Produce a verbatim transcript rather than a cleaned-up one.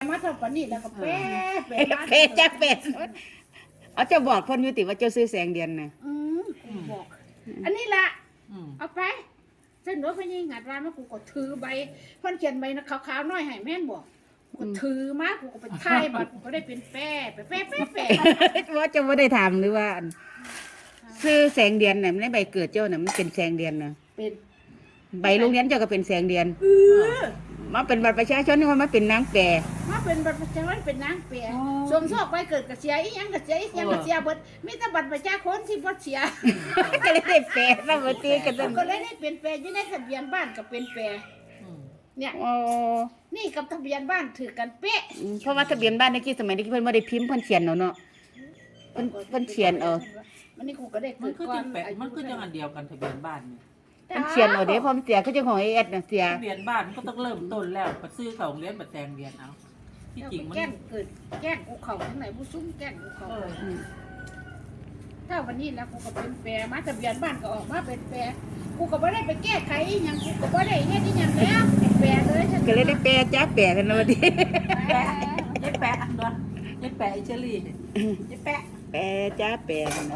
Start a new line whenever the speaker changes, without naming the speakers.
มาเท่าปานนี้แล้วก็แปะแปะมา
เปจ้าเป็ดเอาเจ้าบอกเพิ่นอยู่ติว่าเจ้าซื้อแสงเดือนน่ะ
อืมกูบอก อันนี้ล่ะ
อืม
เอาไปเส้นรถพญิงหัดร้านมากูก็ถือใบเพิ่นเขียนใบนะขาวๆน้อยให้แม่นบอกกูถือมากูก็ไปถ่ายบัตรกูก็ได้เป็นแป้ไปแป้แป้แป้
ว่าเจ้าบ่ได้ถามหรือว่าอันซื้อแสงเดือนน่ะมันในใบเกิดเจ้าน่ะมันเป็นแสงเดือนน่ะ
เป็น
ใบโรงเรียนเจ้าก็เป็นแสงเดือน
เออ
มาเป็นบัตรประชาชนนี่ว่ามาเป็นนางแปร
มาเป็นบัตรประชาชนเป็นนางเปียสมโชคไปเกิดกระเสียอีหยังกระเสียอีหยังกระเสียเบิดมีแต่บัตรประชาชนที่บ่เสีย
ก็เลยได้แปรซะบ่ตีกันซั่น
ก็เลยได้เป็นแปรอยู่ในทะเบียนบ้านก็เป็นแปร
อืม
เนี่ย
อ๋อ
นี่กับทะเบียนบ้านถือกันเป๊ะ
เพราะว่าทะเบียนบ้านในกี้สมัยนี้เพิ่นบ่ได้พิมพ์เพิ่นเขียนเอาเนาะ เพิ่นเพิ่นเขียนเอา
วันนี้กูก็ได้
มั
เกิ
น
ด
คือ
ก่อ
จั
น
งแปะมันคือจังอันเดียวกันทะเบียนบ้านนี่
เพิ่นเขียนเอาเด้พร้อมเสียคือจังของไอ้เอ็ดน่ะเสีย
ทะเบียนบ้านมันก็ต้องเริ่มต้นแล้วไปซื้อเขาโรงเรียนบัดแซงเรียนเอาที่จริงมัน
แกล้งเกิดแกล้งกูเข่าทั้งไหนผู้ซุ้มแกล้งกูเข่า
เออ
อืม
ถ้าวันนี้แล้วกูก็เป็นแปรมาทะเบียนบ้านก็ออกมาเป็นแปรกูก็ไม่ได้ไปแก้ไขอหยังกูก็ไม่ได้เฮ็ดอหยังแล้วแปรเลยฉัน
ก็เลยได้แปรจ้าแปรกันเนาะดิ
แปะยัดแปะอันเนาะยัดแปะไอเชอรี่ยัดแปะ
แปรจ้าแปรกันเนาะ